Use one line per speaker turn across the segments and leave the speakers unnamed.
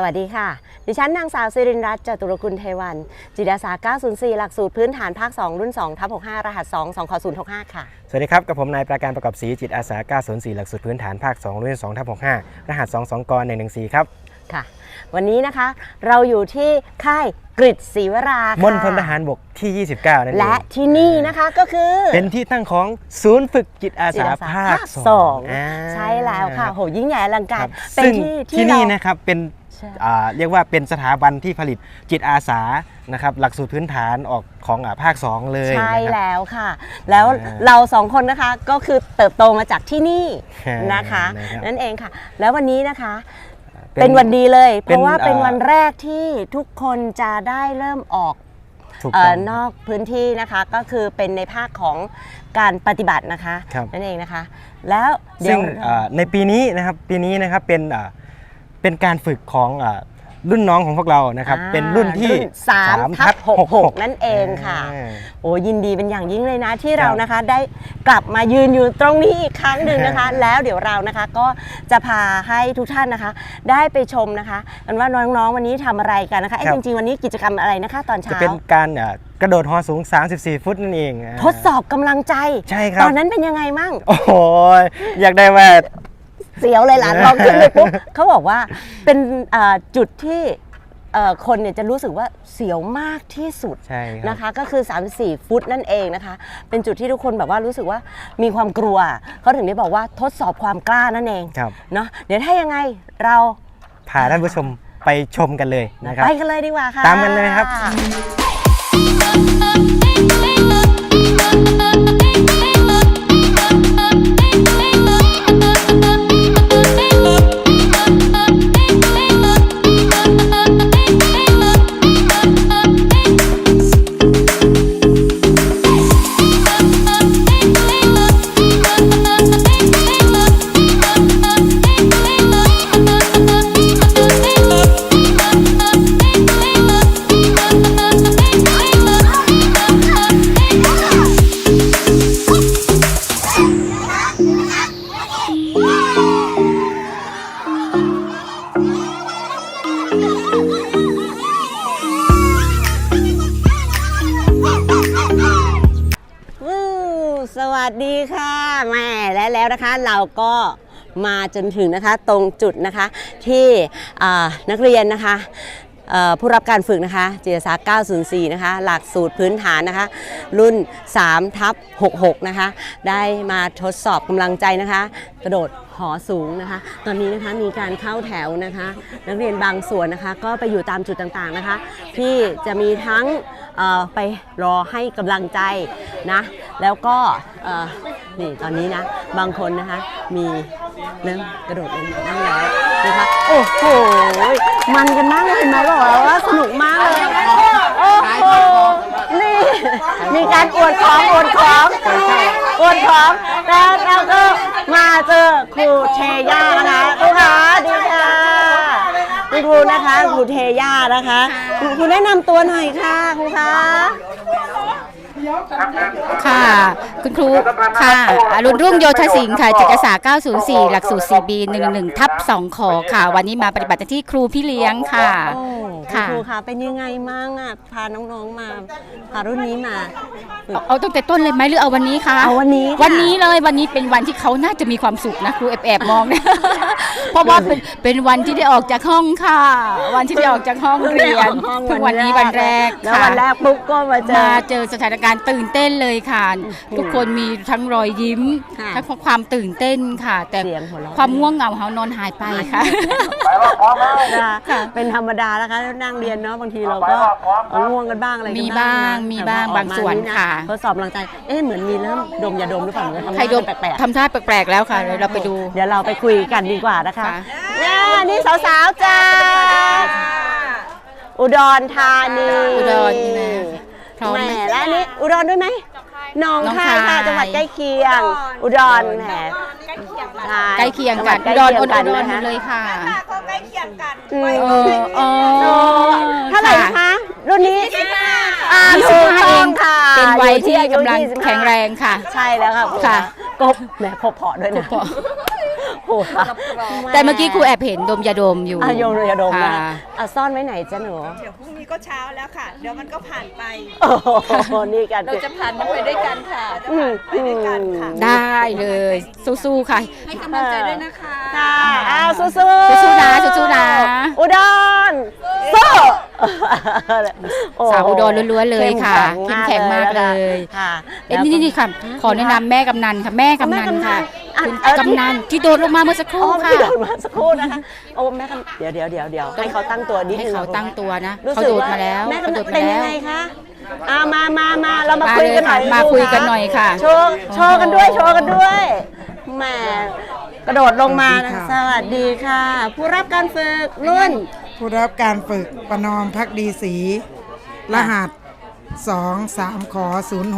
วัสดีค่ะดิฉันนางสาวสิรินรัตน์จตุรกุลเทวันจิตอาสา904หลักสูตรพื้นฐานภาค2รุ่น2/65รหัส2 2/065ค่ะ
สวัสดีครับกับผมนายประการประกอบศรีจิตอาสา904หลักสูตรพื้นฐานภาค2รุ่น2/65รหัส2 2 ก114ครับ
ค่ะวันนี้นะคะเราอยู่ที่ค่ายกฤษศรีวราค่ะ
มณฑลทหารบกที่29นั่นเอง
และที่นี่นะคะก็คือ
เป็นที่ตั้งของศูนย์ฝึกจิตอาสาภาค2
ใช่แล้วค่ะโหยิ่งใหญ่อลังการ
เป็นที่นี่นะครับเป็นเรียกว่าเป็นสถาบันที่ผลิตจิตอาสานะครับหลักสูตรพื้นฐานออกของภาค2เลย
ใช่แล้วค่ะแล้วเรา2คนนะคะก็คือเติบโตมาจากที่นี่นะคะนั่นเองค่ะแล้ววันนี้นะคะเป็นวันดีเลยเพราะว่าเป็นวันแรกที่ทุกคนจะได้เริ่มออกนอกพื้นที่นะคะก็คือเป็นในภาคของการปฏิบัตินะคะนั่นเองนะคะแล้ว
ซึ่งในปีนี้นะครับเป็นการฝึกของรุ่นน้องของพวกเรานะครับเป็นรุ่นที่3/66
นั่นเองค่ะโอ้ยินดีเป็นอย่างยิ่งเลยนะที่เรานะคะได้กลับมายืนอยู่ตรงนี้อีกครั้งหนึ่งนะคะแล้วเดี๋ยวเรานะคะก็จะพาให้ทุกท่านนะคะได้ไปชมนะคะกันว่าน้องๆวันนี้ทำอะไรกันนะคะจริงๆวันนี้กิจกรรมอะไรนะคะตอนเช้า
จะเป็นการกระโดดหอสูง34ฟุตนั่นเอง
ทดสอบกำลังใจ
ใช่ครับ
ตอนนั้นเป็นยังไงมั่ง
โอ้โหอยากได้ว่า
เสียวเลยหลานลองขึ้นเลยปุ๊บเขาบอกว่าเป็นจุดที่คนเนี่ยจะรู้สึกว่าเสียวมากที่สุดนะคะก็คือ34ฟุตนั่นเองนะคะเป็นจุดที่ทุกคนแบบว่ารู้สึกว่ามีความกลัวเขาถึงได้บอกว่าทดสอบความกล้านั่นเองเนาะเดี๋ยวถ้ายังไงเรา
พาท่านผู้ชมไปชมกันเลยนะครับ
ไปกันเลยดีกว่าค่ะ
ตามกันเลยครับ
สวัสดีค่ะแม่แล้วนะคะเราก็มาจนถึงนะคะตรงจุดนะคะที่นักเรียนนะคะผู้รับการฝึกนะคะจิตอาสา904นะคะหลักสูตรพื้นฐานนะคะรุ่น3/66นะคะได้มาทดสอบกำลังใจนะคะกระโดดหอสูงนะคะตอนนี้นะคะมีการเข้าแถวนะคะนักเรียนบางส่วนนะคะก็ไปอยู่ตามจุดต่างๆนะคะที่จะมีทั้งไปรอให้กำลังใจนะแล้วก็นี่ตอนนี้นะบางคนนะคะมีเริ่มกระโดดลงมาบ้างแล้วนะคะโอ้โหมันกันมากเลยเห็นไหมบอกว่าสนุกมากเลยโอ้โหนี่มีการอวดของแล้วเราก็มาเจอครูเทย่านะคะครูคะดีค่ะคุณครูนะคะครูเทย่านะคะครูแนะนำตัวหน่อยค่ะครูคะ
ค่ะคุณครูค่ะอรุณรุ่งโยธสิงห์ค่ะจิตอาสา904หลักสูตร 4B 11/2 ขอค่ะวันนี้มาปฏิบัติที่ครูพี่เลี้ยงค่ะ
ครูคะเป็นยังไงมั่งอ่ะพาน้องๆมาพารุ่นนี้มา
เอาตั้งแต่ต้นเลยไหมหรือเอาวันนี้คะ
เอาวันนี้
เลยวันนี้เป็นวันที่เขาน่าจะมีความสุขนะครูแอบมองเนี่ยเพราะว่าเป็นวันที่ได้ออกจากห้องค่ะวันที่ได้ออกจากห้องเรียนเพิ่งวันนี้วันแรก
ค่ะวันแรกปุ๊บก็มา
เจอสถานการณ์ตื่นเต้นเลยค่ะทุกคนมีทั้งรอยยิ้มทั้งความตื่นเต้นค่ะแต่ความง่วงเหงาเขานอนหายไปค่ะ
เป็นธรรมดานะคะนั่งเรียนเนาะบางทีเราก็ง่วงกันบ้างอะไร
มีบ้างบางส่วนค่ะ
ทดสอบกำลังใจเหมือนมีเริ่มดมยาดมหรือเปล่า
ใครดมแปลกๆทำท่าแปลกๆแล้วค่ะเราไปดู
เดี๋ยวเราไปคุยกันดีกว่านะคะนี่สาวๆจ้าอุดรธานีแหมแล้วนี่อุดรด้วยไหมน้องคายค่ะจังหวัดใกล้เคียงอุดรแหม
ใกล้เคียงกันอุดรเลยค่ะ
ก็ใกล้เคียงกัน
เท่าไหร่คะรุ่นนี้
ถูกต้องค่ะเป็นวัยที่กำลังแข็งแรงค่ะ
ใช่แล้วค่ะ
ค่ะ
กบแหมพอด้วยนะโอ้โห
แต่เมื่อกี้ครูแอบเห็นดมยาดมอยู่
โยงยาดมนะ
ค่ะ
ซ่อนไว้ไหนจ๊ะหนู
เดี๋ยวพรุ่งนี้ก็เช้าแล้วค่ะ เดี๋ยวมันก็ผ่านไป
โอ้โหนี่กัน
เราจะผ่านมันไปด้วยกันค่ะ ไปด้วยกันค่ะ
ได้เลยสู้ๆค่ะ
ให้กำลังใจด้วยนะคะ
ค่ะอ้าวสู้ๆ
สู้ๆนะสู้ๆนะ
อุดรสู้โโห
สาวอุดรล้วนๆเลยค่ะ
เข้ม
เข้มแข็งมากเลย
ค่ะ
เอ้ยนี่ค่ะ ขอแนะนำแม่กำนันค่ะ แม่กำนันค่ะ คุณกำนันที่โดดลงมาเมื่อสักค
อ๋
รู่
อ
ค่ะ
พี่โดนมาสักครู่นะคะโอ้แม่กำเดี๋ยวให้เขาตั้งตัวนิด
ให้
นึง
เขาตั้งตัวนะ
รู้
เขา
สึก
โดด
ว่า
มาแล้ว
แม่
เขาโด
กำ
ด
เป็น
มา
ยัง
แล้ว
ไงคะมาเรามา
มา
คุยกันหน่อย
เลยค่ะมาคุยกันหน่อยค่ะ
โชว์กันด้วยแหมกระโดดลงมานะสวัสดีค่ะ ผู้รับการฝึกรุ่น
ผู้รับการฝึกประนอมพักดีศรีรหัส 23ขอ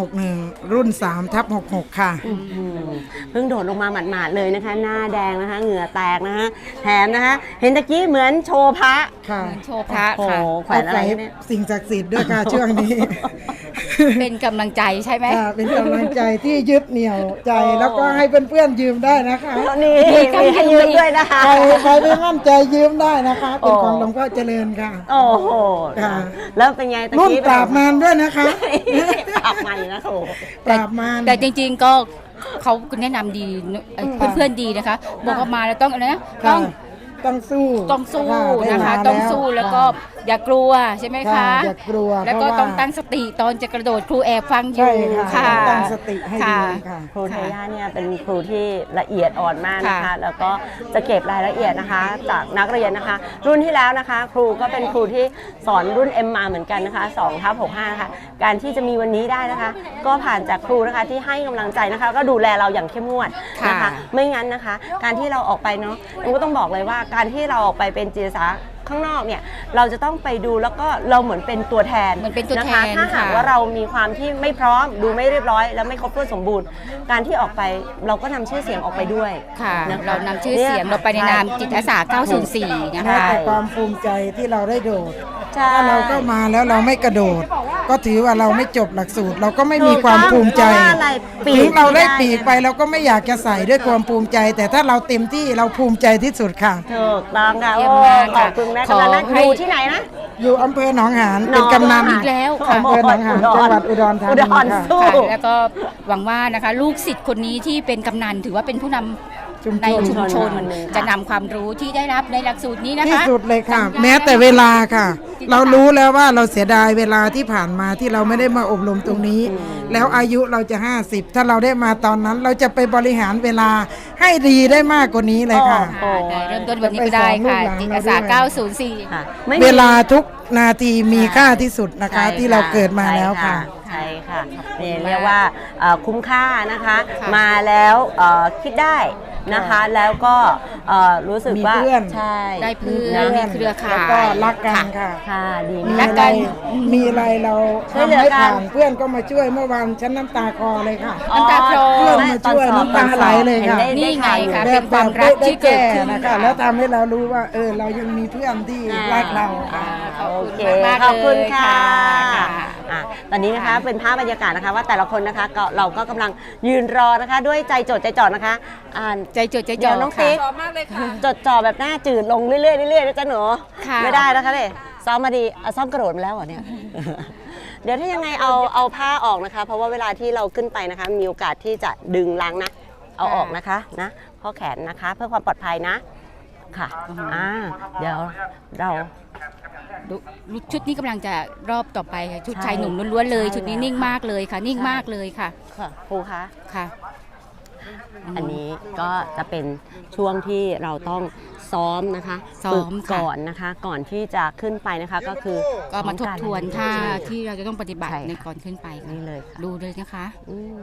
061 รุ่น 3/66 ค่ะ
เพิ่งโดดลงมาหมาดๆเลยนะคะ หน้าแดงนะคะ เหงื่อแตกนะคะแถมนะคะ เห็นตะกี้เหมือนโชว์พระ
ค่ะ
โชว์พระ
โอ้โห
ค่ะ
แขวนอะไร
เอา
เนี่ย
สิ่งศักดิ์สิทธิ์ด้วยค่ะ ช่วงนี้
เป็นกำลังใจใช่ไหม
ค่ะเป็นกำลังใจที่ยึดเหนี่ยวใจแล้วก็ให้เพื่อนๆยืมได้นะคะ
นี่มีให้ยืมด้วยนะคะ
ใครไม่มั่นใจยืมได้นะคะ เป็นของหลวงพ่อเจริญค่ะ
โอ้โห
ค่ะ
แล้วเป็นไงตะ
รุ่น
กี้
ปราบมารด้วยนะคะ
ปราบมันนะโอ้โห
ปราบมาร
แต่จริงๆก็เขาแนะนำดีเพื่อนๆดีนะคะ บอกว่ามาแล้วต้องอะไรนะต้
ค่ะ
อง
ต้องสู้
ต้องสู้
ได้
นะคะ
มา
ต้องสู้แล้วก็อย่ากลัวใช่ไหม
ค่ะ
คะ
อย่ากลัว
แล้วก็
เพราะว่า
ต้องตั้งสติตอนจะกระโดดครูแอบฟังอ
ใช่
ยู่
ค่ะ
ค่ะ
ต้องตั้งสติให้ดี
ค่ะ
ค่ะ
ครูเทย่าเนี่ยเป็นครูที่ละเอียดอ่อนมากนะคะ
ค่ะ
แล้วก็จะเก็บรายละเอียดนะคะ จากนักเรียนนะคะ รุ่นที่แล้วนะคะ ครูก็เป็นครูที่สอนรุ่น M มาเหมือนกันนะคะ2/65นะคะการที่จะมีวันนี้ได้นะคะ ก็ผ่านจากครูนะคะที่ให้กำลังใจนะคะ ก็ดูแลเราอย่างเข้มงวดนะคะ
ค่ะ
ไม่งั้นนะคะ การที่เราออกไปเนาะมันก็ต้องบอกเลยว่าการที่เราออกไปเป็นจิตอาสาข้างนอกเนี่ยเราจะต้องไปดูแล้วก็เราเหมือนเป็นตัวแทน
เหมือนเป็นตัวแทน
นะคะถ้าหาก
ค่ะ
ว่าเรามีความที่ไม่พร้อมดูไม่เรียบร้อย แล้วไม่ครบถ้วนสมบูรณ์ การที่ออกไปเราก็นำชื่อเสียงออกไปด้วย
ค่ะ
นะคะ
เรานำชื่อเสียงเราไปในนามจิตอาสา 904 นะ
แม้
คะ
แต่ความภูมิใจที่เราได้โดด
ใช่
ถ้าเราก็มาแล้วเราไม่กระโดด ก็ถือว่าเราไม่จบหลักสูตร เราก็ไม่มีความภูมิใจ
เพราะว่าอะไรปี
ถึ
ก
งเราได้ปีกไปเราก็ไม่อยากจะใส่ด้วยความภูมิใจ แต่ถ้าเราเต็มที่เราภูมิใจที่สุดค่ะ
ถูกต้องค่ะ
เยี่
โอ้
ยมมาก
ข
ค่ะ
อบคุณแม่
ขอก
ำนันนะ
ให้
อยู่ที่ไหนนะ
อยู่อำเภอหนองหานเป็นกำนัน
อีกแล้วค่ะ
อำเภอหนองหานจังหวัดอุดรธานี
อุดร
ค่ะ
สู้
ค่ะแล้วก็หวังว่านะคะลูกศิษย์คนนี้ที่เป็นกำนันถือว่าเป็นผู้นำ
ชุมชน
ในชุมชน
คนหนึ่งค่ะ
จะนำความรู้ที่ได้รับในหลักสูตรนี้นะคะ
ที่สุดเลยค่ะ แม้แต่เวลาค่ะ เรารู้แล้วว่าเราเสียดายเวลาที่ผ่านมาที่เราไม่ได้มาอบรมตรงนี้ แล้วอายุเราจะ 50 ถ้าเราได้มาตอนนั้น เราจะไปบริหารเวลาให้ดีได้มากกว่านี้เลยค่ะ
โอ้
แต่เริ่มต้นวันนี้ก็ได้ค่ะ
ไปสอนลูกหลาน
จิตอาสา
เราด้วย
904
ค่ะไม่มี
เวลาทุกนาทีมีค่าที่สุดนะคะ
ใช่
ที่เราเกิดมาแล้วค่ะ
ใช่ค่ะนี่เรียกว่าคุ้มค่านะคะ
ค่ะ
มาแล้วคิดได้นะคะ แล้วก็รู้สึกว่า
มีเพื่อน
ใช่
ได้เพื่อน มีเครือข่าย
แล้วก็รักกันค่ะ
ค่ะดี
มี
มาก
อะไรมีอะไรเรา
ช่วยเหลือ
ทำให้
กัน
ผ่านเพื่อนก็มาช่วยเมื่อวานฉันน้ำตาคลอเลยค่ะ
น้ำตาคลอ
เพื่อนมาช่วยน้ำตาไหลเลยค่ะ
นี่ไงคะ
แบ
เป็
บ
นความรักที่เกิดขึ้น
นะคะ
ค่ะ
แล้วทำให้เรารู้ว่าเรายังมีเพื่อนที่รักเราค่ะ
ขอบ
โอ
คุณ
เค
มาก
ขอบคุณ
เลย
ค่ะ
ค่ะ
อ่ะตอนนี้นะคะเป็นภาพบรรยากาศนะคะว่าแต่ละคนนะคะก็เราก็กำลังยืนรอนะคะด้วยใจจดใจจ่อนะคะอ่าน
ใจจดใจ
เดี๋
จ่
ย
อ
วน้อง
ค่ะ
ติ๊กจดจ่อแบบหน้าจืดลงเรื่อยๆเรื่อยๆนะจ๊ะหนู
ค่ะ
ไม่ได้นะคะเลยซ้อมมาดีซ้อมกระโดดมาแล้วเหรอเนี่ย เดี๋ยวถ้ายังไงเอาผ้าออกนะคะ เพราะว่าเวลาที่เราขึ้นไปนะคะมีโอกาสที่จะดึงล้างนะเอาออกนะคะนะข้อแขนนะคะ เพื่อความปลอดภัยนะค่ะเดี๋ยวเรา
ชุดนี้กำลังจะรอบต่อไปค่ะชุด
ใช่
ชายหนุ่มล้วนๆเลย
ใช่
ชุดนี้
แล้ว
นิ่งมากเลยค่ะ นิ่งมากเลยค่ะ
ค่ะครูคะ
ค่ะ
อันนี้ก็จะเป็นช่วงที่เราต้องซ้อมนะคะ
ซ้อม
ฝึก
ค่ะ
ก่อนนะคะ ก่อนที่จะขึ้นไปนะคะก็คือ
ก็มาทบทวนท่า
ใช่
ที่เราจะต้องปฏิบัติ
ใช่ค่ะ
ในก่อนขึ้นไปค่ะ
นี่เลยค่ะ
ดูเลยนะคะ
อืม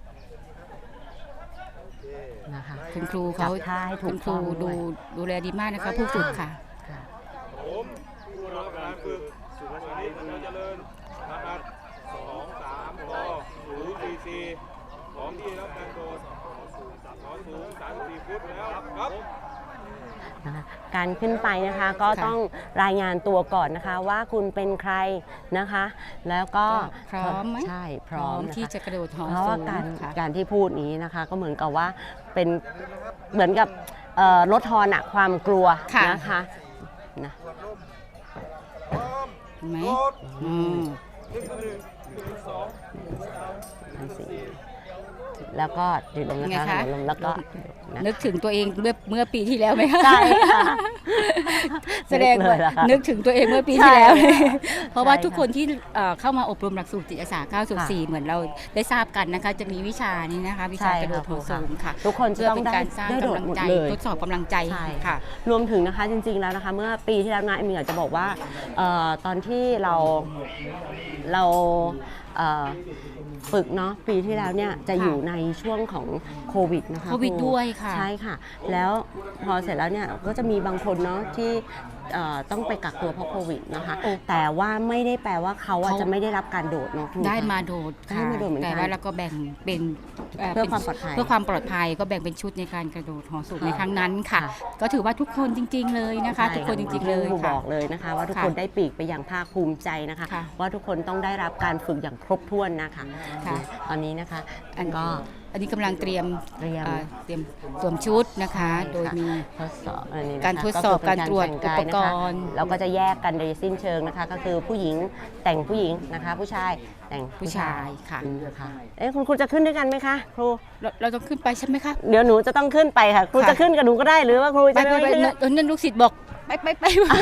นะคะ
คุณครู
จั
เขา
บท่าให้ถู
คุ
ก
ณครู
ต้องด้วย
ดูแลดีมากนะคะ ผู้ฝึกค่ะ
ค่ะ
ผู้รับการฝึกสุภาพนิชเราเจริญนะครับ2 3 6 0 4 4ของที่รับการโดดขอสูง34 ฟุตแล้วครับ
นะคะการขึ้นไปนะคะก็
ค่ะ
ต้องรายงานตัวก่อนนะคะ ว่าคุณเป็นใครนะคะ แล้วก็
พร้อมไหม
ใช่พร้อมนค
ที่จะกระโดดหอ
เพราะ
สู
ว่าง การ
ค่ะ
การที่พูดนี้นะคะ ก็เหมือนกับว่าเป็นเหมือนกับลดทอนอะความกลัว
ค่ะ
นะคะนะ
เห็นไหมอืม
แล้วก็ดื่มลมนะคะดื่มลมแล้วก็นะ
นึกถึงตัวเองเมื่อปีที่แล้วไหมคะ
ใช่ค่ะ
แสดงว่า
นึกเลยเหรอคะ
นึกถึงตัวเองเมื่อปีที่แล้ว
ใช่
เพราะว่า
ใช่ค่ะ
ทุกคนที่เข้ามาอบรมหลักสูตรจิตอาสา 904 เหมือนเราได้ทราบกันนะคะ จะมีวิชานี้นะคะ วิชากระโดดหอสูงค่ะ
ทุกคนจะ
เพื่อ
ต้อง
เป็น
ได้
การสร้าง
ได้โด
กำ
ด
ลัง
หมด
ใจ
เลย
ทดสอบกำลังใจ
ใช่
ค่ะ
รวมถึงนะคะจริงๆแล้วนะคะ เมื่อปีที่แล้วนะเอมอยากจะบอกว่าตอนที่เราฝึกเนาะปีที่แล้วเนี่ยจะอยู่ในช่วงของโควิดนะคะ
โควิด
รู
ด้วยค่ะ
ใช่ค่ะ แล้วพอเสร็จแล้วเนี่ยก็จะมีบางคนเนาะที่ต้องไปกักตัวเพราะโควิดนะคะ แต่ว่าไม่ได้แปลว่าเขาอะจะไม่ได้รับการโดดเนาะครู
ได้
คะ
มาโดด
ได้มาโดดเหมือนกัน
แต่ว่าเราก็แบ่งเป็น
เพื่อความปลอดภัย
เพื่อความปลอดภัยก็แบ่งเป็นชุดในการกระโดดหอสูง
ค่ะ
ในครั้งนั้นค่ะ
ค่ะ
ก็ถือว่าทุกคนจริง ๆ เลยนะคะ ทุกคนจริงๆเลย
ครูบ
ค่ะ
อกเลยนะคะว่าทุกคนได้ปีกไปอย่างภาคภูมิใจนะคะ
ค่ะ
ว่าทุกคนต้องได้รับการฝึกอย่างครบถ้วนนะคะ
ค่ะ
ตอนนี้นะคะ
อัน
ก็
อันนี้กำลังเตรียม
เตรียม
เตรียมสวมชุดนะคะ โดยมี
ทดสอบอันนี้นะคะ
การทดสอบ
ก็คือ
การตรวจ
แต่งกายนะคะ
อุปกรณ์
เราก็จะแยกกันโดยสิ้นเชิงนะคะ ก็คือผู้หญิงแต่งผู้หญิงนะคะ ผู้ชายแต่ง
ผู้ชายค่ะ
นะคะคุณครูจะขึ้นด้วยกันไหมคะครู
เราต้องขึ้นไปใช่ไหมคะ
เดี๋ยวหนูจะต้องขึ้นไปค่ะ ครู
ค่ะ
จะขึ้นกับหนูก็ได้หรือว่าครู
ไป
จะ
ไป
ไม่ขึ้น
นั่นลูกศิษย์บอกไป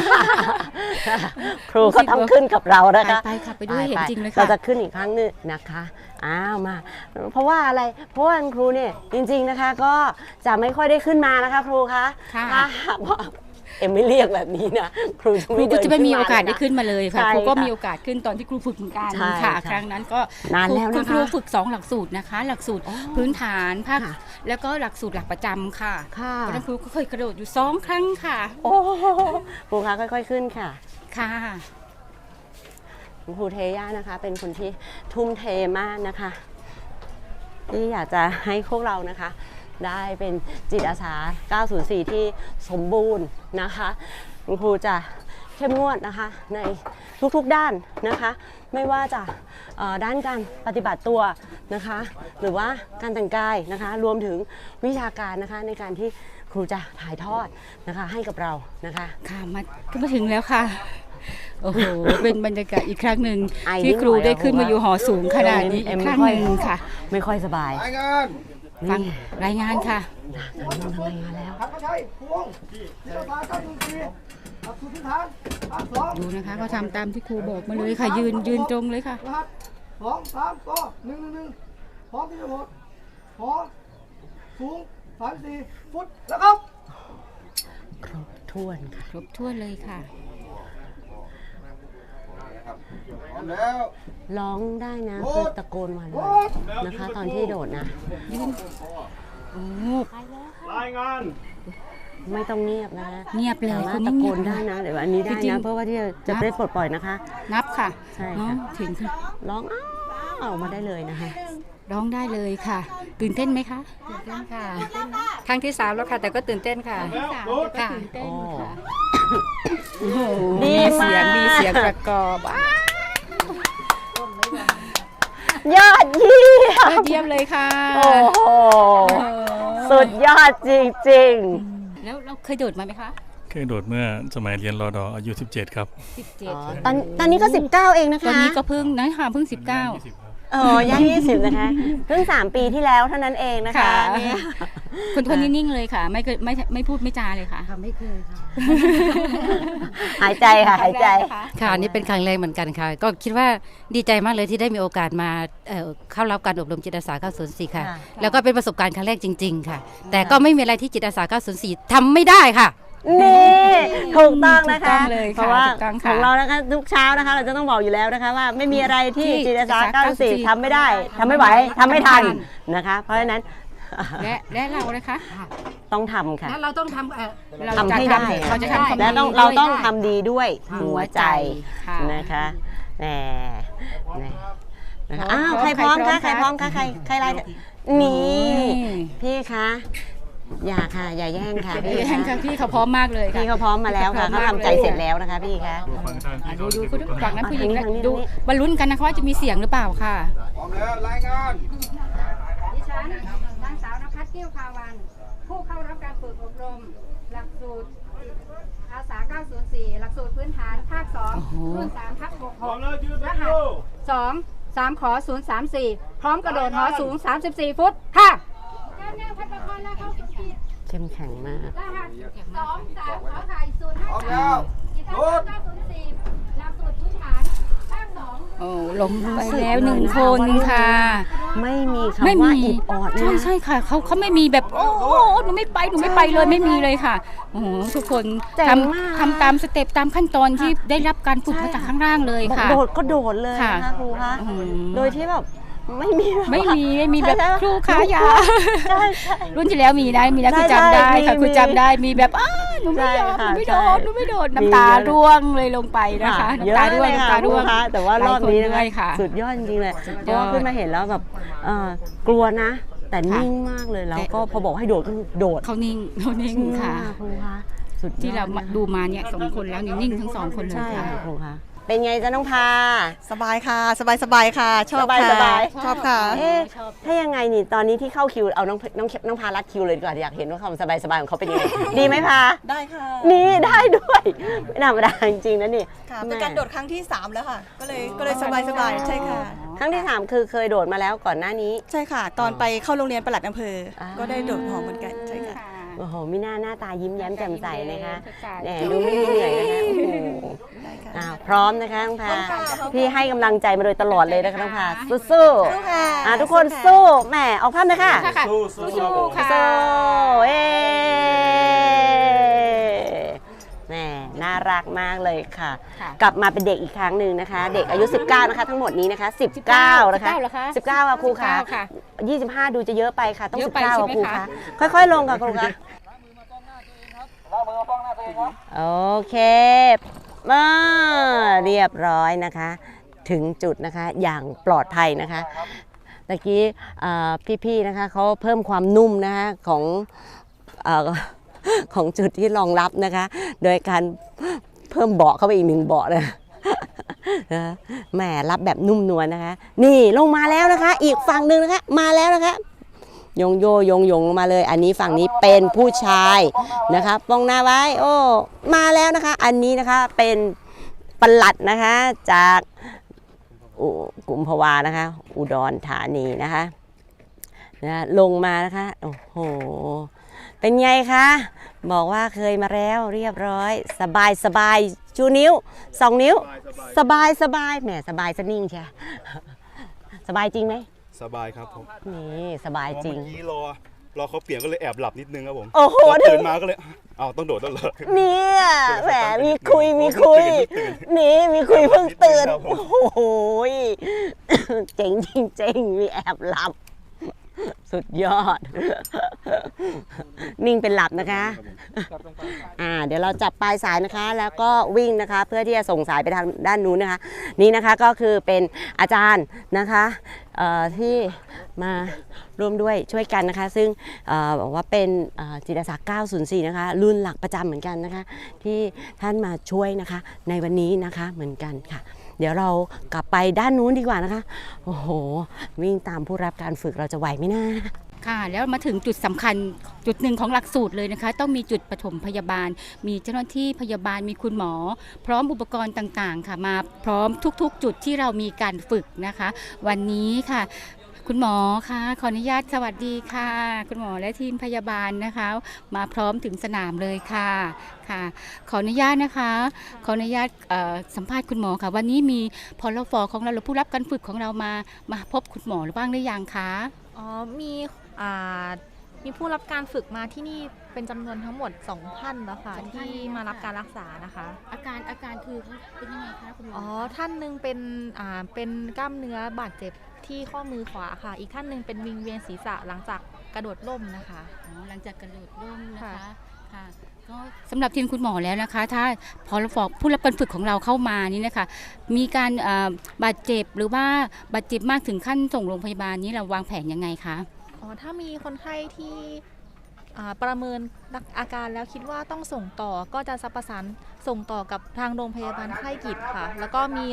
ครูก็ต้องขึ้นกับเรานะคะ
ไปค่ะไปด้วยเห็นจริงเลยค่ะ
เราจะขึ้นอีกครั้งหนึงนะคะอ้าวมา เพราะว่าอะไรเพราะว่าครูเนี่ยจริงๆนะคะก็จะไม่ค่อยได้ขึ้นมานะคะครูคะ
ค่ะ
ถ้าหากว่าเอ็มไม่เรียกแบบนี้นะครูจะ
ครู
ไม่
ก็
เดิน
จะไม่มี
ขึ้น
โอกาสได้
ะ
ขึ้นมาเลยค่ะ
ใช่
ครูก็
ค่ะ
มีโอกาสขึ้นตอนที่ครูฝึกเหมือนกัน
ใช่
ค่ะ
ค่ะ
ครั้งนั้นก็
นานแล้วนะคะ
ครูฝึก 2 หลักสูตรนะคะ หลักสูตรพื้นฐานภาค
ค่ะ
แล้วก็หลักสูตรหลักประจำค่ะ
ค่ะ
เพราะฉะนั้นครูก็เคยกระโดดอยู่2 ครั้งค่ะ
โอ้ครูคะค่อยๆขึ้นค่ะ
ค่ะ
คุณครูเทย่านะคะ เป็นคนที่ทุ่มเทมากนะคะ ที่อยากจะให้พวกเรานะคะ ได้เป็นจิตอาสา 904 ที่สมบูรณ์นะคะคุณครูจะเข้มงวดนะคะในทุกๆด้านนะคะ ไม่ว่าจะด้านการปฏิบัติตัวนะคะ หรือว่าการแต่งกายนะคะ รวมถึงวิชาการนะคะในการที่ครูจะถ่ายทอดนะคะให้กับเรานะคะ
ค่ะมาถึงแล้วค่ะ โอ้โห เป็นบรรยากาศอีกครั้งหนึ่ง
ไอนิ
ที่
ดหน่อย
ครูได้ขึ้นมาอยู่หอสูงขนาดนี้
เอ็
อี
ม
กครั้งหนึ่งค่ะ
ไม่ค่อยสบาย
รายงาน
ฟังรายงานค่ะ
ทำรายงานแล้ว
ขับมาใช้พวงจิตอาสา904หลักสูตรพื้นฐานภาค2
ดูนะคะเขาทำตามที่ครูบอกมาเลยค่ะ ยืนตรงเลยค่ะ
รหัส2 3ก็111พร้อมที่จะหมดหอสูง34ฟุตแล้วครับ
ครบถ้วนค่ะ
ครบถ้วนเลยค่ะ
พร้อมแล้ว
ร้องได้นะคือตะโกนมาเลยนะคะ ตอนที่โดดนะ
ยืนโอ้
รายงาน
ไม่ต้องเงียบนะ
เงียบเลย
สามาร
ค
ถ
น
ตะ
นี้
โก
เงียบ
นได้นะเดี๋ยวอันนี้ได้
จริ
นะ
งๆ
เพราะว่าที่จะได้ปลดปล่อยนะคะ
นับค่ะ
ใช่ค่ะ
เนาะถึง
ร้องอ้าวออกมาได้เลยนะคะ
ร้องได้เลยค่ะ ตื่นเต้นไหมคะ
ตื่นเต้นค่ะ ครั้งที่ 3 แล้วค่ะ แต่ก็ตื่นเต้นค่ะ ค่ะ
ตื่นเต้นค่ะ
ดี
เสี
มาย
ง
ก
มีเสียงประกอบ
ยอดเยี่ย
ยอ
ม
ดเยี่ยมเลยค่ะ
โอ้โหสุดยอดจริง
แล้วเราเคยโดดมาไหมคะ
เคยโดดเมื่อสมัยเรียนรอดออายุ 17 ครับ
ๆตอนนี้ก็ 19 เองนะคะ
ตอนนี้ก็เพิ่งนะคะเพิ่ง 19
ย่าง20 นะคะเพิ่ง3 ปีที่แล้วเท่านั้นเองนะคะ
ค่ะ
เนี่ย
คนนิ่งๆเลยค่ะ ไม่พูดไม่จาเลยค่ะ
ไม่เคยค่ะ
หายใจค่ะหายใจ
ค่ะอันนี่เป็นครั้งแรกเหมือนกันค่ะ ก็คิดว่าดีใจมากเลยที่ได้มีโอกาสมาเข้ารับการอบรมจิตอาสา 904 ค่ะ
ค่ะ
แล้วก็เป็นประสบการณ์ครั้งแรกจริง ๆ ค่ะ แต่ก็ไม่มีอะไรที่จิตอาสา 904 ทำไม่ได้ค่ะ
นี่ถูกต้องนะคะ
ถูกต้องเลยค่ะ
เพราะว่า
ถูกต้องค่ะ
ของเรานะคะทุกเช้านะคะ เราจะต้องบอกอยู่แล้วนะคะว่าไม่มีอะไรที่
ที่
จิตอาสา
จิตอาสา
94ทำไม่ได้ทำไม่ไหวทำไม่ทัน
ทำไม่ทัน
นะคะ เพราะฉะนั้น
และเรานะคะ
ต้องทำค่ะ
แล้วเราต้องทำ
เรา
ทำให้ได้
เราจะทำความ
และ
ดี
ต้อง
ด้วย
เราต้องทำดีด้วยหัวใจ
ค่ะ
นะคะแหมนะคะ
พร้อม
อ้าวใครพร้อมคะ
ใค
ใค
ร
ร
พ
พ
ร้
ร้
อ
อ
ม
ม
คะ
คะใครไล่นี่พี่คะอย่าค่ะอย่าแย่งค่ะพี่
แย่งค่ะพี่เขาพร้อมมากเลยค่ะ
พี่เขาพร้อมมาแล้วค่ะเขาทำใจเสร็จแล้วนะคะพี่คะ
ฟังทางที่
ดู
เขา
คุณฝั่งนั้นผู้หญิง
ทางนี้
ดูบรรลุนกันนะคะว่าจะมีเสียงหรือเปล่าค่ะ
พร้อมแล้ว รายงาน
ดิฉันนางสาวนภัสเกี้ยวพาวันผู้เข้ารับการฝึกอบรมหลักสูตรอาสา 904 หลักสูตรพื้นฐานภาค 2 รุ่น 3/66 รหัส 2 3 ขอ 034 พร้อมกระโดดหอสูง 34 ฟุต ค่ะแนวพัฒนาการและเข้าสู่ขีด
เข้มแข็งมาก
รหัส 2 3 ขอไข่ 053 กิจกรรม 904 หลักสูตรพื้นฐานภาค 2
โอ้ล้มไปแล้ว1 คนค่ะ
ไม่มี
ไม่
คำว่า
มี
อิดออด
ใช่
นะ
ใช่ค่ะเขาไม่มีแบบโอ้โหหนูไม่ไปเลยไม่มีเลยค่ะโอ้โหทุกคน
เจ๋งมาก
ทำตามสเต็ปตามขั้นตอนที่ได้รับการฝึกมาจากข้างล่างเลย
บอก
ค่ะ
โดดก็โดดเลย
ค่ะ
นะคะครูคะ
อืม
โดยที่แบบไม่มี
ไม่มีแบบ
ใช่
ครูขายา
ใช่ใช่
รุ่นที่แล้วมีนะครูจำได้ค่ะครูจำได้มีแบบหนูไม่ยอม
ใช่
ห
ค่ะ
นูไม่โดด
ใช่
น้ำตา
มีเยอะ
ร่วงเลยลงไปนะคะ
เยอะ
น้ำตาร่วง
เลย
น้ำ
ค่ะ
ตาร่วง
ครูคะแต่ว่ารอบนี้นะ
หลาย
คะ
ค่ะ
สุดยอดจริงๆเลย
สุด
เพ
ยอด
ราะว่าขึ้นมาเห็นแล้วแบบกลัวนะ แต่
ค่ะ
นิ่งมากเลยแล้วก็พอบอกให้โดดก็โดด
เขานิ่งค่ะ
ครูคะสุดยอด
ที่เรา
นะคะ
ดูมาเนี่ย2 คนแล้วนิ่งทั้ง2 คนเลย
ใช่
ค่ะ
ค่ะครูคะเป็นไงจ๊ะน้องพา
สบายค่ะ สบายค่ะ ชอบ
สบาย
ค่ะ
สบาย
ชอบค่ะ
เอ๊ะถ้ายังไงนี่ตอนนี้ที่เข้าคิวเอาน้องพารัดคิวเลยดีกว่าอยากเห็นว่าความสบายของเขาเป็นยังไง ดีไหมพา
ได้ค่ะ
นี่ได้ด้วยไม่ธรรมดาจริงๆนะนี่
ค่ะ เป็นการโดดครั้งที่ 3 แล้วค่ะ ก็เลยสบายใช่ค่ะ
ครั้งที่ 3 คือเคยโดดมาแล้วก่อนหน้านี้
ใช่ค่ะ ตอนไปเข้าโรงเรียนปลัดอำเภอ
อ่า
ก็ได้โดดหอเหมือนกัน ใช่ค่ะ
โอ้โหมิน่าหน้าตายิ้มแย้มแจ่มใสนะคะ
แห
แหมดูไม่มีเหนื่อยนะคะโอ้โห
ได้ค่ะ
พร้อมนะคะน้องพา
พร้อมค่ะพร้อมค่ะ
พี่ให้กำลังใจมาโดยตลอดเลยนะคะน้องพาสู้
ค่ะ
ๆทุกคนสู้แหมออกภาพเลยค่ะ
สู้ครับผม
ค่ะ
สู้เอ๊แหมน่ารักมากเลยค่ะ
ค่ะ
กลับมาเป็นเด็กอีกครั้งหนึ่งนะคะ เด็กอายุ 19 นะคะ ทั้งหมดนี้นะคะ 19 นะคะ
19เหรอคะ
19ค่ะครูค่ะ
19ค่ะ
25 ดูจะเยอะไปค่ะ ต้อง
เยอะไป
19
ใช่
ค่ะ
ไหม
ครู
คะ
ค่ะค่อยๆ ลงค่ะครูค่ะโอเคเรียบร้อยนะคะ ถึงจุดนะคะอย่างปลอดภัยนะคะตะกี้พี่ๆนะคะเขาเพิ่มความนุ่มนะคะของจุดที่รองรับนะคะ โดยการเพิ่มเบาะเข้าไปอีก1 เบาะนะแหมรับแบบนุ่มนวลนะคะ นี่ลงมาแล้วนะคะ อีกฝั่งหนึ่งนะคะมาแล้วนะคะยงโยยงลงมาเลย อันนี้ฝั่งนี้เป็นผู้ชายนะคะป้องหน้าไว้โอ้มาแล้วนะคะ อันนี้นะคะเป็นปลัดนะคะจากกุมภาวานะคะ อุดรธานีนะคะลงมานะคะโอ้โหเป็นไงคะบอกว่าเคยมาแล้วเรียบร้อยสบายชูนิ้ว2 นิ้วสบายแหมสบายสนิ่งใช่สบายจริงไหม
สบายครับผม
นี่สบายจริง
เมื่อกี้รอเขาเปลี่ยนก็เลยแอบหลับนิดนึงครับผม
โอ้โห
พตื่นมาก็เลยต้องโดดแล้วเหรอ
เนี่ยแหมมีคุย
เพิ่งตื่น
นี่มีคุยเพิ่งตื่น
ครับผม
โอ้โหเจ๋งจริงๆมีแอบหลับ สุดยอด นิ่งเป็นหลับนะคะเดี๋ยวเราจับปลายสายนะคะ แล้วก็วิ่งนะคะ เพื่อที่จะส่งสายไปทางด้านนู้นนะคะ นี่นะคะก็คือเป็นอาจารย์นะคะที่มาร่วมด้วยช่วยกันนะคะ ซึ่งบอกว่าเป็นจิตอาสา 904 นะคะ รุ่นหลักประจำเหมือนกันนะคะ ที่ท่านมาช่วยนะคะในวันนี้นะคะเหมือนกันค่ะ เดี๋ยวเรากลับไปด้านนู้นดีกว่านะคะโอ้โหวิ่งตามผู้รับการฝึกเราจะไหวไหมนะ
ค่ะแล้วมาถึงจุดสำคัญจุดหนึ่งของหลักสูตรเลยนะคะ ต้องมีจุดปฐมพยาบาล มีเจ้าหน้าที่พยาบาลมีคุณหมอ พร้อมอุปกรณ์ต่างๆค่ะมาพร้อมทุกๆ จุดที่เรามีการฝึกนะคะ วันนี้ค่ะ คุณหมอคะขออนุญาตสวัสดีค่ะ คุณหมอและทีมพยาบาลนะคะ มาพร้อมถึงสนามเลยค่ะขออนุญาตนะคะขออนุญาตสัมภาษณ์คุณหมอค่ะวันนี้มีพลฟของเราหรือผู้รับการฝึกของเรามาพบคุณหมอหรือบ้างหรือยังคะ
มีผู้รับการฝึกมาที่นี่เป็นจำนวนทั้งหมด 2 ท่านแล้วค่ะที่มารับการรักษานะคะ
อาการคือเขาเป็นยังไงคะคุณหมอ
ท่านหนึ่งเป็นกล้ามเนื้อบาดเจ็บที่ข้อมือขวาค่ะ อีกท่านหนึ่งเป็นวิงเวียนศีรษะหลังจากกระโดดร่มนะคะ
หลังจากกระโดดร่มนะคะ
ค่ะ
ก็สำหรับทีมคุณหมอแล้วนะคะ ถ้าพอผู้รับการฝึกของเราเข้ามานี่นะคะมีการบาดเจ็บหรือว่าบาดเจ็บมากถึงขั้นส่งโรงพยาบาลนี้เราวางแผนยังไงคะ
ถ้ามีคนไข้ที่ประเมินอาการแล้วคิดว่าต้องส่งต่อก็จะประสานส่งต่อกับทางโรงพยาบาลค่ายกิจค่ะแล้วก็มีรถ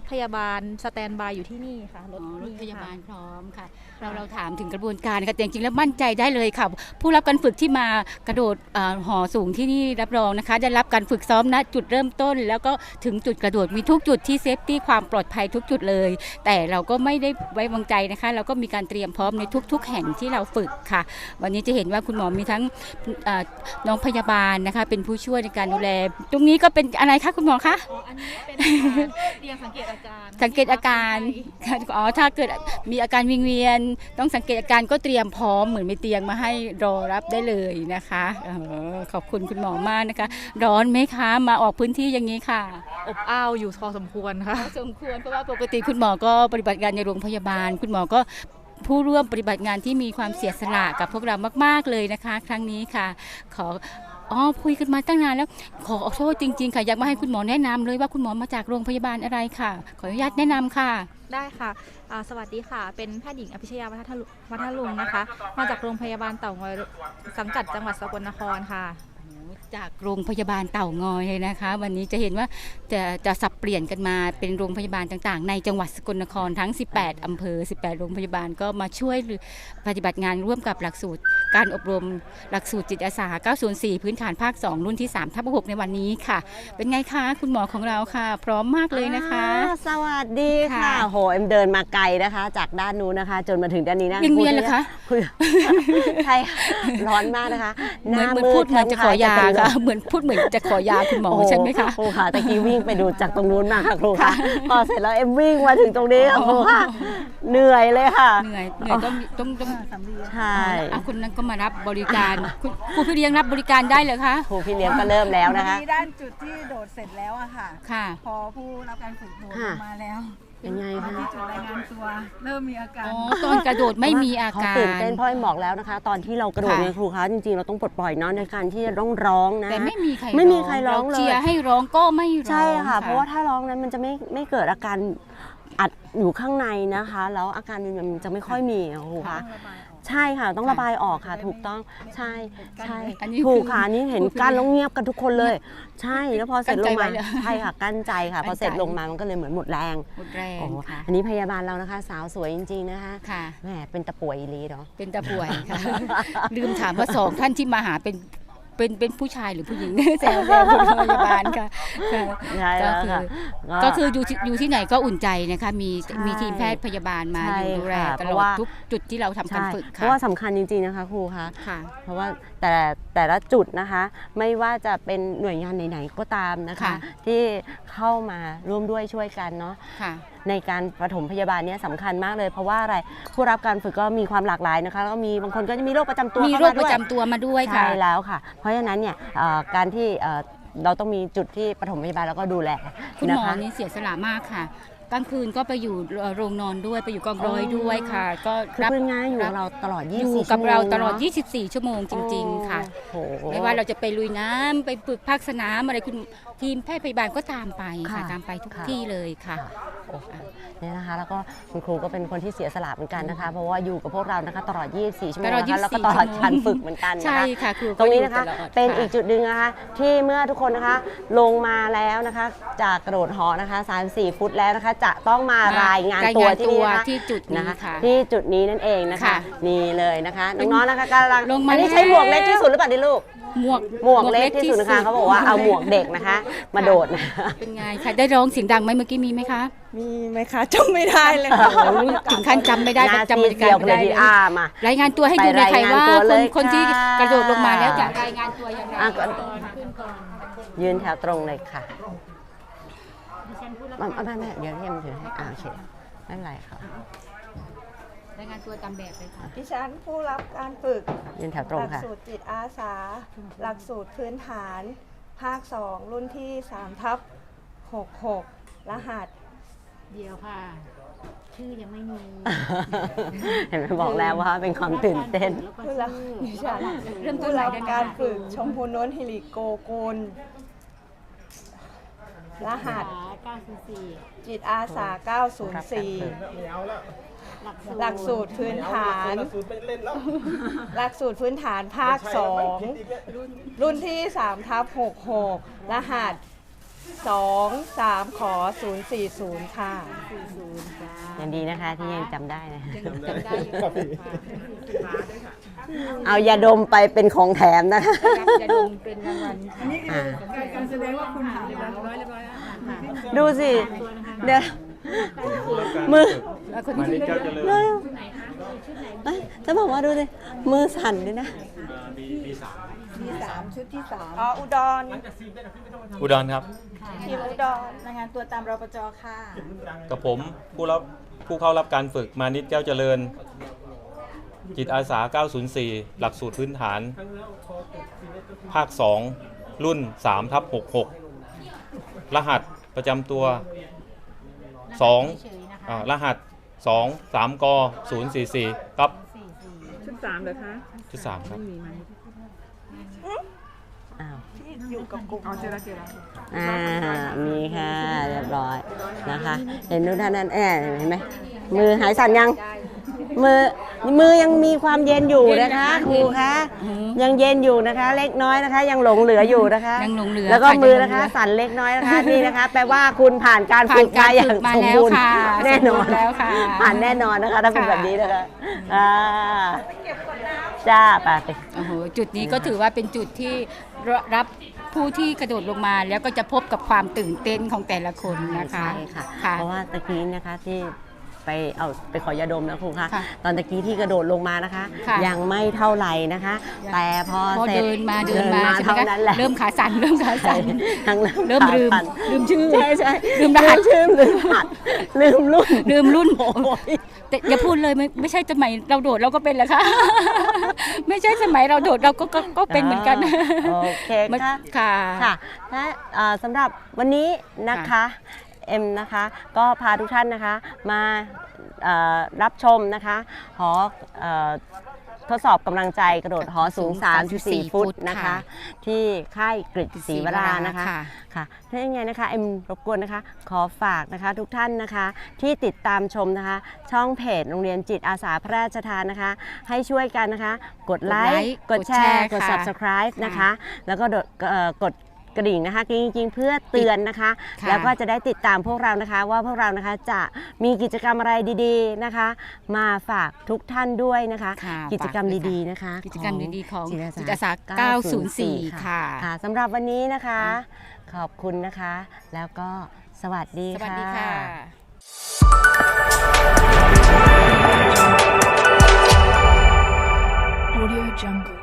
พยาบาลสแตนบายอยู่ที่นี่ค่ะรถ
รถ
นี่
พยาบาล
ค่ะ
พร้อมค่ะเราถามถึงกระบวนการค่ะแต่จริงๆแล้วมั่นใจได้เลยค่ะผู้รับการฝึกที่มากระโดดหอสูงที่นี่รับรองนะคะได้รับการฝึกซ้อมณจุดเริ่มต้น แล้วก็ถึงจุดกระโดดมีทุกจุดที่เซฟตี้ความปลอดภัยทุกจุดเลย แต่เราก็ไม่ได้ไว้วางใจนะคะเราก็มีการเตรียมพร้อมในทุกๆแห่งที่เราฝึกค่ะวันนี้จะเห็นว่าคุณหมอมีทั้งน้องพยาบาลนะคะเป็นผู้ช่วยในการดูแลตรงนี้ก็เป็นอะไรคะคุณหมอคะ
อันนี้เป็นเตียงสังเกตอาการ
สังเกตอาการถ้าเกิดมีอาการวิงเวียนต้องสังเกตอาการก็เตรียมพร้อมเหมือนมีเตียงมาให้รอรับได้เลยนะคะขอบคุณคุณหมอมากนะคะร้อนไหมคะมาออกพื้นที่อย่างนี้ค่ะ
อบอ้าวอยู่พอสมควรค่ะ
สมควรเพราะว่าปกติคุณหมอก็ปฏิบัติงานในโรงพยาบาลคุณหมอก็ผู้ร่วมปฏิบัติงานที่มีความเสียสละกับพวกเรามากๆเลยนะคะ ครั้งนี้ค่ะคุยกันมาตั้งนานแล้วขอโทษจริงๆค่ะอยากมาให้คุณหมอแนะนำเลยว่าคุณหมอมาจากโรงพยาบาลอะไรค่ะขออนุญาตแนะนำค่ะ
ได้ค่ะสวัสดีค่ะ เป็นแพทย์หญิงอภิชยาวัฒลุงนะคะ มาจากโรงพยาบาลเต่างอยสังกัดจังหวัดสกลนครค่ะ
จากโรงพยาบาลเต่างอยเลยนะคะ วันนี้จะเห็นว่าจะสับเปลี่ยนกันมาเป็นโรงพยาบาลต่างๆในจังหวัดสกลนครทั้ง18อำเภอ18โรงพยาบาลก็มาช่วยปฏิบัติงานร่วมกับหลักสูตรการอบรมหลักสูตรจิตอาสา904พื้นฐานภาค2รุ่นที่3/6ในวันนี้ค่ะเป็นไงคะคุณหมอของเราค่ะพร้อมมากเลยนะคะ
สวัสดีค่ะโหเอ็มเดินมาไกลนะคะ จากด้านนู้นนะคะ จนมาถึงด้านนี้นะ
ยังเวียนเหรอคะ
ใช่ร้อนมากนะคะ
เหมือนพูดเหมือนจะขอยาค่ะเหมือนพูดเหมือนจะขอยาคุณหมอใช่ไหมคะ
ครูค่ะตะกี้วิ่งไปดูจากตรงนู้นมาค่ะครูค่ะพอเสร็จแล้วเอ็มวิ่งมาถึงตรงนี้ค่ะครูค่ะเหนื่อยเลยค่ะ
เหนื่อยต้อง
ใช่
คุณนั้นก็มารับบริการครูพี่เลี้ยงรับบริการได้เลยคะ
ครูพี่เลี้ยงก็เริ่มแล้วนะคะ
มีด้านจุดที่โดดเสร็จแล้วอะค่ะ
ค่ะ
พอผู้รับการฝึกโดดลงมาแล้ว
เป็นไงคะ
ที่จุดรายงานตัวเริ่มมีอาการ
ตอนกระโดดไม่มีอาการ
เขาตื่นเต้นเพราะบอกแล้วนะคะ ตอนที่เรากระโดดเนี่ยครูคะจริงๆเราต้องปลดปล่อยเนาะในการที่จะต้องร้องนะ
แต่ไม่มีใคร
ร้องเลย
เชียร์ให้ร้องก็ไม่ร้อง
ใช่ค่ะเพราะว่าถ้าร้องนั้นมันจะไม่เกิดอาการอัดอยู่ข้างในนะคะแล้วอาการมันจะไม่ค่อยมีครูคะใช่ค่ะต้องระบายออกค่ะถูกต้องใช่ถูกค่ะนี่เห็นกั้นแล้วเงียบกันทุกคนเลยใช่แล้วพอเสร็จลงมาใช่ค่ะกั้นใจค่ะพอเสร็จลงมามันก็เลยเหมือนหมดแรง
ค่ะ
อันนี้พยาบาลเรานะคะสาวสวยจริงๆนะคะ
ค่ะ
แหมเป็นตะป่วยอีหลีเนาะ
เป็นตะป่วยค่ะลืมถามว่า2ท่านที่มาหาเป็นผู้ชายหรือผู้หญิงแซวคุณพยาบาลค่ะก็คืออยู่ที่ไหนก็อุ่นใจนะคะมีทีมแพทย์พยาบาลมาอยู่ดูแลตลอดทุกจุดที่เราทำการฝึกค่ะ
เพราะว่าสำคัญจริงๆนะคะครูคะเพราะว่าแต่ละจุดนะคะไม่ว่าจะเป็นหน่วยงานไหนๆก็ตามนะคะที่เข้ามาร่วมด้วยช่วยกันเนาะในการปฐมพยาบาลเนี่ยสำคัญมากเลยเพราะว่าอะไรผู้รับการฝึกก็มีความหลากหลายนะคะแล้วก็มีบางคนก็จะมีโรคประจำตัว
มีโรคประจำตัวมาด้วยค่ะ
ใช่แล้วค่ะเพราะฉะนั้นเนี่ยการที่เราต้องมีจุดที่ปฐมพยาบาลแล้วก็ดูแล
คุณหมอนี่เสียสละมากค่ะกลางคืนก็ไปอยู่โรงนอนด้วยไปอยู่กองร้อยด้วยค่ะก็
รับงานอยู่กับเราตลอด24ชั่วโมง
อยู่กับเราตลอด24ชั่วโมงจริงๆค่ะไม่ว่าเราจะไปลุยน้ำไปฝึกภาคสนามอะไรคุณทีมแพทย์พยาบาลก็ตามไปค่ะตามไปทุกที่เลยค่ะ
เนี่ยนะคะแล้วก็คุณครูก็เป็นคนที่เสียสละเหมือนกันนะคะเพราะว่าอยู่กับพวกเรานะคะตลอด24ชั่วโมงนะคะแล้วก็ตลอดการฝึกเหมือนกันนะคะ
ใช่ค่ะครู
ตรงนี้นะคะเป็นอีกจุดหนึ่งนะคะที่เมื่อทุกคนนะคะลงมาแล้วนะคะจากกระโดดหอนะคะ3-4 ฟุตแล้วนะคะจะต้องมารายงานตัวที่นี่นะคะ
ที่จุดนี้ค่ะ
ที่จุดนี้นั่นเองนะคะนี่เลยนะคะน้องๆนะคะกำลังอันนี้ใช้หมวกเล็กที่สุดหรือเปล่าดิลูกหมวกเล็กที่สุดนะคะเขาบอกว่าเอาหมวกเด็กนะคะมาโดดนะ
เป็นไงคะได้ร้องเสียงดังไหมเมื่อกี้มีไหมคะ
มีไหมคะจำไม่ได้เลยค่ะ
ถึงขั้นจำไม่ได้จำบรรยากาศไม่ได้เลยรายงานตัวให้ดูเลยใครว่าคนที่กระโดดลงมาแล้วจะรายงานตัวอย่างไร
ยืนแถวตรงเลยค่ะไม่เดี๋ยวเรียมถือให้โอเคไม่เป็นไรค่ะ
รายงานตัวตามแบบเลยค่ะ
ดิฉันผู้รับการฝึก
ยืนแถวตรงค่ะ
หลักสูตรจิตอาสาหลักสูตรพื้นฐานภาค2รุ่นที่3/66รหัส
เดียวค่ะชื่อยังไม่มี
เห็นไหมบอกแล้วว่าเป็นความตื่นเต้น
ผู้รับการฝึกชมพูน้นฮิริโกกุลรหัส904จิตอาสา904หลักสูตรพื้นฐานหลักสูตรพื้นฐานภาค2รุ่นที่3/66รหัส 23 ขอ 040 ค่ะ
ยังดีนะคะที่ยังจำได้นะ
ยังจำได้อยู่ค่ะ
เอายาดมไปเป็นของแถมนะคะ
จะดมเป็นรางวัล
อันนี้คือการแสดงว่าคุณผ่านเรียบร้อย
ดูสิ เดี๋ยวมือ
มานิดเจ้าเจริญ
เอ้ยจะบอกว่าดูสิ มือสั่นด้วยนะ
3 ชุดที่ 3 อ๋อ อุดร
อุดรครับ
ทีมอุดรรายงานตัวตามรปจค่ะ
กับผมผู้เข้ารับการฝึกมานิดแก้วเจริญ จิตอาสา 904 หลักสูตรพื้นฐาน ภาค 2 รุ่น 3/66 รหัสประจำตัว 2 รหัส 2 3 ก 044 ครับ
ชุด 3เหรอคะ
ชุด 3 ครับ
อ้าว
อยู่กับกลุ่มเอาเจรจา
มีค่ะ เรียบร้อยนะคะ เห็นทุกท่านนั้นเห็นไหม มือหายสั่นยัง มือยังมีความเย็นอยู่นะคะครูคะยังเย็นอยู่นะคะ เล็กน้อยนะคะ ยังหลงเหลืออยู่นะคะ
ยังหลงเหลือ
แล้วก็
ค่ะ
มือ
ยังหล
นะ
งเหลื
คะ
อ
สั่นเล็กน้อยนะคะนี่นะคะ แปลว่าคุณผ่านการฝึกมาอย่างสมบูรณ์แน่นอน
แล้วค่ะ
ผ่านแน่นอนนะคะถ้าเป็นแบบนี้นะคะจ้าไป
โอ้โหจุดนี้ก็ถือว่าเป็นจุดที่รับผู้ที่กระโดดลงมาแล้วก็จะพบกับความตื่นเต้นของแต่ละคนนะคะ
ใช่ค่ะ
ค่ะ
เพราะว่าตะกี้นะคะที่ไปขอยาดมนะครูคะ
ค่ะ
ตอนตะกี้ที่กระโดดลงมานะคะ
ค่ะ
ยังไม่เท่าไหร่นะคะ แต่พอ
พอ
เสร็จ
เดินมาใช่ไหม
เท่า
คะ
นั้นแหละ
เริ่มขาสั่น
ทั้ง
เริ่มลืม
ขาสั่น
ลืมชื่อ
ใช่
ลืมรหัส
ชื่อลืมรหัสลืมรุ่น
ลืมรุ่นแต่อย่าพูดเลยไม่ใช่สมัยเราโดดเราก็เป็นแหละค่ะ ไม่ใช่สมัยเราโดดเราก็เป็นเหมือนกัน
โอเคค่ะ
ค่ะ
ค่ะและสำหรับวันนี้นะคะเอ็มนะคะก็พาทุกท่านนะคะมารับชมนะคะหอทดสอบกำลังใจกระโดดหอสูง 3.4 ฟุตนะคะ ที่ค่ายกฤษศรีวรานะคะค่ะถ้าอย่างไรนะคะเอ็มรบกวนนะคะขอฝากนะคะทุกท่านนะคะที่ติดตามชมนะคะช่องเพจโรงเรียนจิตอาสาพระราชทานนะคะให้ช่วยกันนะคะกดไลค์กดแชร์กด subscribe นะคะแล้วก็กดกระดิ่งนะคะจริงๆเพื่อเตือนนะคะ แล้วก็จะได้ติดตามพวกเรานะคะว่าพวกเรานะคะจะมีกิจกรรมอะไรดีๆนะคะ มาฝากทุกท่านด้วยนะคะ กิจกรรมดีๆนะคะ
กิจกรรมดีๆของ
จิ
จิ
ต
ต
อา
อา
สา
สา 904 ค่ะ
ค่ะสำหรับวันนี้นะคะ ขอบคุณนะคะ แล้วก็สวัสดี
สวัส
ค่ะ
ดีค่ะ
Audio Jungle